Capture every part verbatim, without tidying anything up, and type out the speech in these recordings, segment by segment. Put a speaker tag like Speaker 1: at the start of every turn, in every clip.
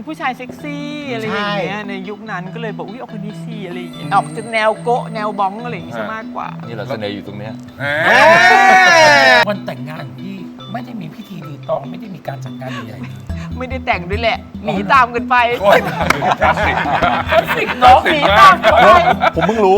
Speaker 1: ผู้ชายเซ็กซี่อะไรอย่างเงี้ยในยุคนั้นก็เลยบอกอุ้ยเอาคนนี้สิอะไรอย่างเงี้ยออกจะแนวโกะแนวบ้องอะไรอย่างเงี้ยมากกว่า
Speaker 2: นี่เราเสน่ห์อยู่ตรงเนี้ย
Speaker 3: วันแต่งงานพี่ไม่ได้มีพิธีรีตองไม่ได้มีการจัดงานใหญ่ๆเลย
Speaker 1: ไม่ได้แต่งด้วยแหละหนีตามกันไป
Speaker 4: คลาสสิก
Speaker 3: คลาสสิกเนาะ
Speaker 1: หนีตามกันไป
Speaker 2: ผมเพิ่งรู้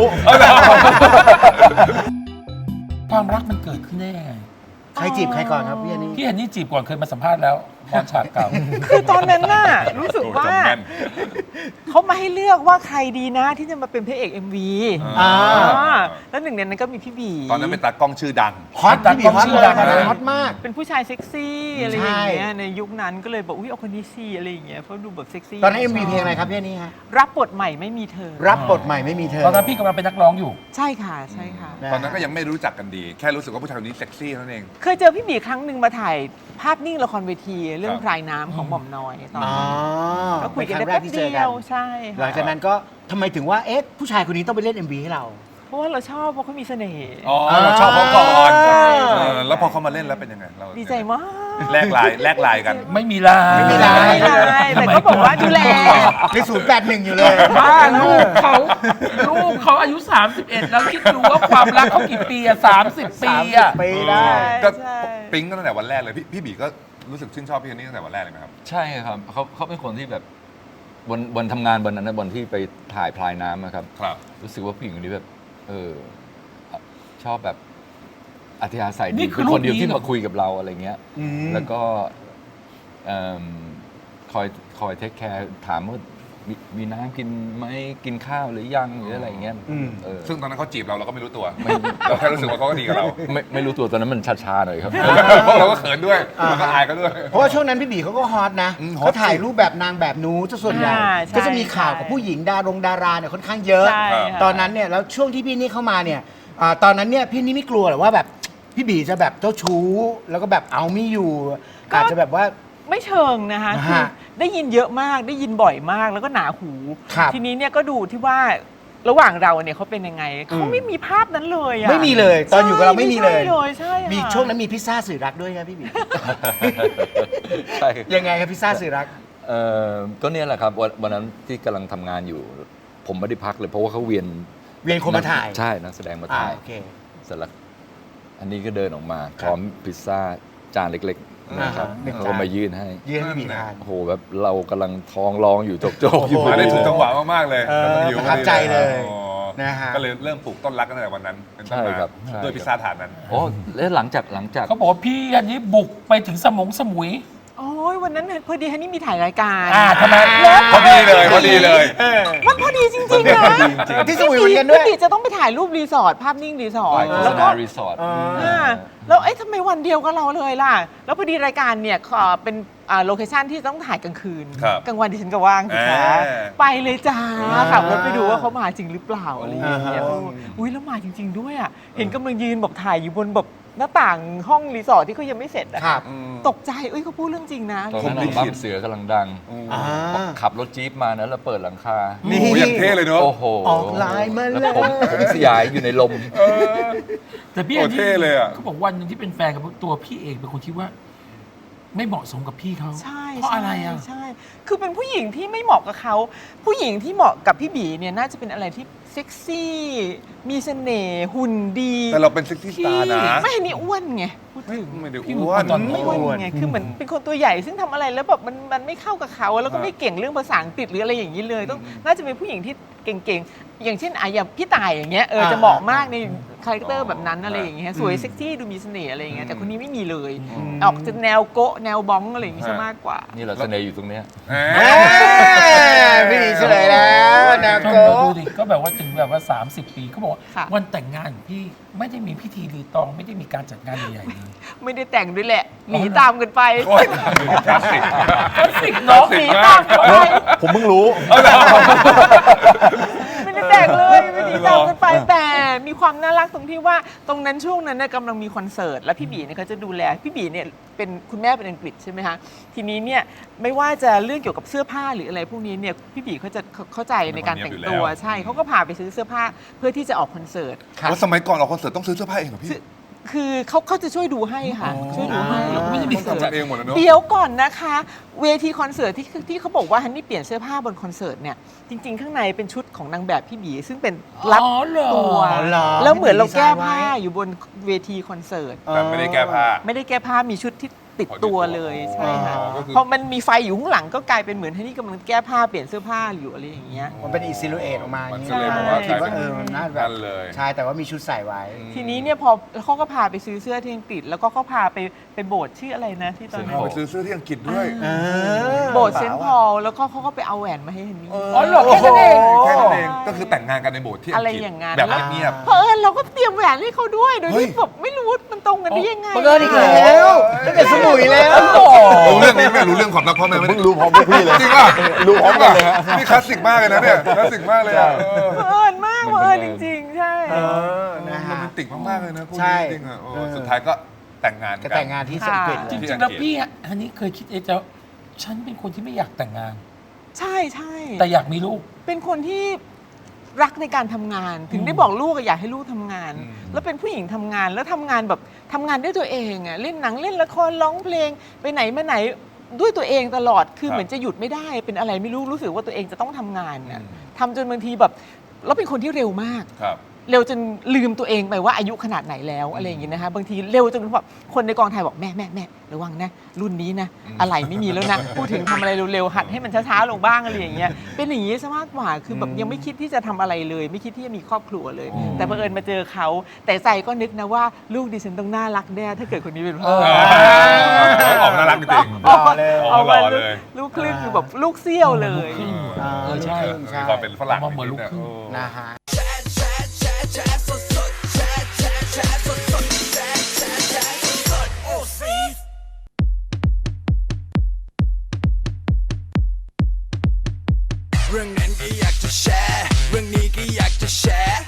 Speaker 3: ความรักมันเกิดขึ้นได้ยังไง
Speaker 5: ใครจีบใครก่อนครับพี่อันนี้
Speaker 3: พี่อันนี้จีบก่อนเคยมาสัมภาษณ์แล้วตอนฉากเก่า
Speaker 1: คือตอนนั้นน่ะรู้สึกว่าเขามาให้เลือกว่าใครดีนะที่จะมาเป็นพระเอก เอ็ม วี
Speaker 5: อ่า
Speaker 1: แล้วหนึ่งในนั้นก็มีพี่บี
Speaker 4: ตอนนั้นเป็นตากล้องชื่อดัง
Speaker 5: ฮอตพี่บีฮอตเลยฮอตมาก
Speaker 1: เป็นผู้ชายเซ็กซี่อะไรอย่างเงี้ยในยุคนั้นก็เลยบอกอุ้ยเอาคนนี้สิอะไรอย่างเงี้ยเพราะดูแบบเซ็กซี่
Speaker 5: ตอนนั้น เอ็ม วี เพลงอะไรครับพี่อันนี้ฮะ
Speaker 1: รับบทใหม่ไม่มีเธอ
Speaker 5: รับบทใหม่ไม่มีเธอ
Speaker 3: ตอนนั้นพี่กำลังเป็นนักร้องอยู่
Speaker 1: ใช่ค่ะใช่ค่ะ
Speaker 4: ตอนนั้นก็ยังไม่รู้จักกันดีแค่รู้สึกว่าผู้ชายคนนี้เซ็กซี่นั่นเอง
Speaker 1: เคยเจอพี่บีครั้งหนึ่งมาถ่ายภาพนิ่งละครเวทีเรื่องพรายน้ำของหม่อมน้อยตอนนั้นก็คุยกันได้แป๊บเดียวใช่
Speaker 5: หลังจากนั้นก็ทำไมถึงว่าเอ๊ะผู้ชายคนนี้ต้องไปเล่น เอ็ม วี ให้เรา
Speaker 1: เพราะว่าเราชอบเพราะเขามีเสน่ห์
Speaker 4: อ๋อเราชอบเขาก่อนแล้วพอเขามาเล่นแล้วเป็นยังไงเรา
Speaker 1: ดีใจมาก
Speaker 4: แลกลายแลกลายกัน
Speaker 3: ไม่มีลาย
Speaker 5: ไม่มีลาย
Speaker 1: แต่ก็บอกว่าดูแล
Speaker 5: ในศูนย์แปดหนึ่งอยู่เลย
Speaker 3: บ้าลูกเขาลูกเขาอายุสามสิบเอ็ดแล้วคิดดูว่าความรักเขากี่ปีอะสามสิบปีอะ
Speaker 5: ปีได้
Speaker 4: ก็ปิ๊งตั้งแต่วันแรกเลยพี่พี่บีก็รู้สึกชื่นชอบพี่คนนี้ตั้งแต่วันแรกเลยไหมครับ
Speaker 2: ใช่ครับเขาเขาเป็นคนที่แบบวันวันทำงานวันนั้นนะวันที่ไปถ่ายพลายน้ำนะครับ
Speaker 4: ครับ
Speaker 2: รู้สึกว่าผู้หญิงคนนี้แบบเออชอบแบบอัธยาศัยดี
Speaker 3: คื
Speaker 2: อคนเดียวที่มาคุยกับเราอะไรเงี้ยแล้วก็คอยคอยเทคแคร์ถามว่ามีน้ำกินไหมกินข้าวหรือยังหรืออะไรเงี้ย
Speaker 4: ซึ่งตอนนั้นเขาจีบเราเราก็ไม่รู้ตัวเราแค่รู้สึกว่าเขาก็ดีกับเรา
Speaker 2: ไม่ไม่รู้ตัวตอนนั้นมันชาๆหน่อยครับ
Speaker 4: เพราะเราก็เขินด้วยเราก็อายก็ด้วย
Speaker 5: เพราะว่าช่วงนั้นพี่บีเขาก็ฮอตนะเขาถ่ายรูปแบบนางแบบนู้จะส่วนใหญ่ก็จะมีข่าวกับผู้หญิงดารงดาราเนี่ยค่อนข้างเยอะตอนนั้นเนี่ยแล้วช่วงที่พี่นี่เข้ามาเนี่ยตอนนั้นเนี่ยพี่นี่ไม่กลัวหรอว่าแบบพี่บีจะแบบเจ้าชู้แล้วก็แบบเอาไม่อยู่อาจจะแบบว่า
Speaker 1: ไม่เชิงนะคะคือได้ยินเยอะมากได้ยินบ่อยมากแล้วก็หนาหูทีนี้เนี่ยก็ดูที่ว่าระหว่างเราเนี่ยเขาเป็นยังไงเขาไม่มีภาพนั้นเลยอะ
Speaker 5: ไม่มีเลยตอนอยู่กับเราไม่มีเลย
Speaker 1: ใช่
Speaker 5: มีช่วงนั้นมีพิซซ่าสื่อรักด้วยครับพี่บียังไงครับพิซซ่าสื่อรัก
Speaker 2: เออก็เนี่ยแหละครับวันนั้นที่กำลังทำงานอยู่ผมไม่ได้พักเลยเพราะว่าเขาเวียน
Speaker 5: เวียนคนมาถ่าย
Speaker 2: ใช่นักแสดงมาถ่ายเสร็จแล้วอันนี้ก็เดินออกมาพร้อมพิซซ่าจานเล็กๆนะครับเขามายื่นให้
Speaker 5: ยื่นให้บีทาน
Speaker 2: โอ้โหแบบเรากำลังท้องร้องอยู่โจกๆอยู่
Speaker 4: มาได้ถูกจังหวะมากๆเลย
Speaker 5: ประทับใจเลยนะฮะ
Speaker 4: ก็เลยเริ่มปลูกต้นรักกันตั้งแต่วันนั้นเป็นต้นมาด้วยพิซซ่าถาดนั้น
Speaker 2: โอ้แล้วหลังจากหลังจาก
Speaker 3: เขาบอกว่าพี่อันนี้บุกไปถึงสมงสมุย
Speaker 1: โอ้ยวันนั้นพอดีฮันนี่มีถ่ายรายการ
Speaker 3: อ่าทำไม
Speaker 4: พอดีเลยพอดีเลย
Speaker 1: มันพอดีจริงๆนะ
Speaker 5: ที่สมุยเหมือนกันด้วย
Speaker 1: พี่จะต้องไปถ่ายรูปรีสอร์ทภาพนิ่งรีสอร์ท
Speaker 2: แล้วก็รีสอร์ท
Speaker 1: แล้วเอ๊ะทำไมวันเดียวกับเราเลยล่ะแล้วพอดีรายการเนี่ยเป็นโลเคชั่นที่ต้องถ่ายกลางคืนกลางวันดิฉันก็ว่างสิคะไปเลยจ้าขับรถไปดูว่าเขามาจริงหรือเปล่าอะไรอย่างเงี้ยอุ้ยแล้วมาจริงๆด้วยอ่ะเห็นกำลังยืนแบบถ่ายอยู่บนแบบหน้าต่างห้องรีสอร์ทที่เขายังไม่เสร็จอะตกใจเอ้ยเขาพูดเรื่องจริงนะ
Speaker 2: ตอนนั้นบ้านเสือกำลังดังขับรถจี๊ปมานะแล้วเปิดหลังคา
Speaker 4: นี่อย่างเท่เลยเนาะ
Speaker 2: โอ้โห
Speaker 5: ออกลายมา
Speaker 2: แล้วผมผมสยายอยู่ในลม
Speaker 3: แต่พี่เท่เลยอ่ะเขาบอกวันนึงที่เป็นแฟนกับตัวพี่เองเป็นคนที่ว่าไม่เหมาะสมกับพี่เขา
Speaker 1: ใช่
Speaker 3: เพราะอะไรอ่ะ
Speaker 1: ใช่คือเป็นผู้หญิงที่ไม่เหมาะกับเขาผู้หญิงที่เหมาะกับพี่บีเนี่ยน่าจะเป็นอะไรที่เซ็กซี่มีเสน่ห์หุ่นดี
Speaker 4: แต่เราเป็นเซ็กซี่สตาร์นะ
Speaker 1: ไม่นี่อ้วนไงพูดถึง
Speaker 4: ไม่ได้อ้วน
Speaker 1: ไม่อ้วนไงคือเหมือนเป็นคนตัวใหญ่ซึ่งทำอะไรแล้วแบบมันมันไม่เข้ากับเขาแล้วก็ไม่เก่งเรื่องภาษาอังกฤษหรืออะไรอย่างนี้เลยต้องน่าจะเป็นผู้หญิงที่เก่งๆอย่างเช่นอ่ะอย่างพี่ต่ายอย่างเงี้ยเออจะเหมาะมากในคาแรคเตอร์แบบนั้นอะไรอย่างเงี้ยสวยเซ็กซี่ดูมีเสน่ห์อะไรอย่างเงี้ยแต่คนนี้ไม่มีเลยออกจะแนวโกะแนวบ้องอะไรอย่างงี้ซะมากกว่า
Speaker 2: นี่เราเสน่ห์อยู่ตรงเนี้ย
Speaker 5: พี่ดีเฉลยแล้วแนวโกะ
Speaker 3: ดูดิก็แบบว่าถึงแบบว่าสามสิบปีเขาบอกว่าวันแต่งงานของพี่ไม่ได้มีพิธีรีตองไม่ได้มีการจัดงานใหญ่ๆเลย
Speaker 1: ไม่ได้แต่งด้วยแหละหนีตามกันไป
Speaker 4: คลาสสิก
Speaker 3: คลาสสิกเนาะ
Speaker 1: หนีตามกันไป
Speaker 2: ผมเพิ่งรู้
Speaker 1: ไม่ได้แต่งเลยไม่ได้ตามกันไปแต่มีความน่ารักตรงที่ว่าตรงนั้นช่วงนั้นกำลังมีคอนเสิร์ตแล้วพี่บีเนี่ยเขาจะดูแลพี่บีเนี่ยเป็นคุณแม่เป็นอังกฤษใช่ไหมคะทีนี้เนี่ยไม่ว่าจะเรื่องเกี่ยวกับเสื้อผ้าหรืออะไรพวกนี้เนี่ยพี่บีเขาจะเข้าใจในการแต่งตัวใช่เขาก็พาไปซื้อเสื้อผ้าเพื่อที่จะออกคอนเสิร์ต
Speaker 4: แล้วสมัยก่อนออกคอนเสิร์ตต้องซื้อเสื้อผ้าเองเหรอพี่
Speaker 1: คือเขาเขาจะช่วยดูให้ค่ะ ช่วยดูให้
Speaker 3: ไม่ได้มี
Speaker 4: ต้องทำกันเองหมดเลยเนาะ
Speaker 1: เดี๋ยวก่อนนะคะ เวทีคอนเสิร์ตที่ที่เขาบอกว่าฮันนี่เปลี่ยนเสื้อผ้าบนคอนเสิร์ตเนี่ยจริง ๆ ข้างในเป็นชุดของนางแบบพี่บีซึ่งเป็นรัด
Speaker 3: อ๋อเหรอ
Speaker 1: ตัว
Speaker 5: อ๋อเหรอ
Speaker 1: แล้วเหมือนเราแก้
Speaker 5: ดีไซน์ไว้
Speaker 1: ผ้าอยู่บนเวทีคอนเสิร์ต
Speaker 4: แต่ไม่ได้แก้ผ้า
Speaker 1: ไม่ได้แก้ผ้ามีชุดที่ติดตัวเลยใช่ค่ะ
Speaker 4: อ๋อก็คือ
Speaker 1: พอมันมีไฟอยู่ข้างหลังก็กลายเป็นเหมือนฮันนี่กำลังแก้ผ้าเปลี่ยนเสื้อผ้าอยู่อะไรอย่างเงี้ย
Speaker 5: มันเป็นอีซิลูเอตออกมาอ
Speaker 4: มัน
Speaker 5: ย่าง
Speaker 4: ก็
Speaker 5: เงี้ย
Speaker 4: เลยแบบว่า
Speaker 1: ใช่
Speaker 4: กลาย
Speaker 5: ว่า
Speaker 4: เป็น
Speaker 5: เออมันน่าแบบ
Speaker 4: นั่นเลย
Speaker 5: ใช่แต่ว่ามีชุดใส่ไว้
Speaker 1: ทีนี้เนี่ยพอเขาก็พาไปซื้อเสื้อที่อังกฤษแล้วก็เขาพาไปไปโบสถ์ชื่ออะไรนะที่ตอนนั้น
Speaker 4: เอาไปซื้อเสื้อที่อังกฤษด้วย
Speaker 5: เออ
Speaker 1: โบสถ์เซนต์พอลแล้วก็เขาก็ไปเอาแหวนมาให้ฮันนี่
Speaker 3: อ๋อเหรอแค่นั้นเอง
Speaker 4: แค่นั้นเองก็คือแต่งงานกันในโบสถ์ที่อังกฤษ
Speaker 1: อะไรอย่างนั้น
Speaker 4: แบบเงียบ
Speaker 1: เพราะเอิญเราก็เตรียมแหวนให้เขาด้วยโดย
Speaker 4: เฮ้ย
Speaker 1: ที่แบบไม่รู้มันตรงกันได้ยังไง
Speaker 5: บังเอิญอีกแล้วตั้งแต่สมุยแล้ว
Speaker 4: ๆรู้เรื่องนี้ไหมรู้เรื่องความรักพ่อแม่ไหม
Speaker 2: เพิ่งรู้พร้อมพวกพี่เลย
Speaker 4: จริงป่ะ
Speaker 2: รู้พร้อมกันเลยฮะ
Speaker 4: นี่คลาสสิกมากเลยนะเนี่ยคลาสสิกมากเลยอะเออ
Speaker 1: เอิญมากเอิญจริง ๆ ใช่
Speaker 5: เออนะ
Speaker 4: โร
Speaker 5: ฮะ
Speaker 4: แมนติกมากๆเลยนะคู่
Speaker 5: ใช่
Speaker 4: นี้จริงๆอะโอ้
Speaker 5: เออ
Speaker 4: สุดท้ายก็แต่งงานกั
Speaker 5: ก็
Speaker 4: น
Speaker 5: แต่งงานที่อังกฤษ
Speaker 1: ค่ะ
Speaker 3: จ
Speaker 5: เลย
Speaker 3: ริงๆแล้วพี่ฮะอันนี้เคยคิดเองจะฉันเป็นคนที่ไม่อยากแต่งงาน
Speaker 1: ใช่ใช่
Speaker 3: แต่อยากมีลูก
Speaker 1: เป็นคนที่รักในการทำงาน ถึงได้บอกลูกอะอยากให้ลูกทำงาน
Speaker 4: อืม
Speaker 1: แล้วเป็นผู้หญิงทำงานแล้วทำงานแบบทำงานด้วยตัวเองอะเล่นหนังเล่นละครร้องเพลงไปไหนมาไหนด้วยตัวเองตลอดคือเหมือนจะหยุดไม่ได้เป็นอะไรไม่รู้รู้สึกว่าตัวเองจะต้องทำงานน่ะทำจนบางทีแบบแล้วเป็นคนที่เร็วมาก
Speaker 4: ครับ
Speaker 1: เร็วจนลืมตัวเองไปว่าอายุขนาดไหนแล้วอะไรอย่างงี้นะคะบางทีเร็วจนแบบคนในกองถ่ายบอกแม่แม่แม่ระวังนะรุ่นนี้นะอะไรไม่มีแล้วนะ พูดถึงทำอะไรเร็วๆหัดให้มันช้าๆลงบ้างอะไรอย่างเงี้ยเป็นอย่างนี้ซะมากกว่าคือแบบยังไม่คิดที่จะทำอะไรเลย ไม่คิดที่จะมีครอบครัวเลย แต่บังเอิญมาเจอเขาแต่ใจก็นึกนะว่าลูกดิฉันต้องน่ารักแน่ถ้าเกิดคนนี้เป็นพ่อ
Speaker 4: ออกน่ารักจริง
Speaker 5: หล่อเลย
Speaker 1: เอา
Speaker 4: หล่
Speaker 1: มา
Speaker 4: อเลย
Speaker 1: ลูกครึ่งคือแบบลูกเซี่ยวเลย
Speaker 5: อ่า
Speaker 3: เออใช่
Speaker 4: ๆมีความเป็นฝรั่ง
Speaker 3: เอามาเหมือนลูกครึ่ง
Speaker 4: เออ
Speaker 5: นะฮะ
Speaker 6: เรื่องนั้นก็อยากจะแชร์ เรื่องนี้ก็อยากจะแชร์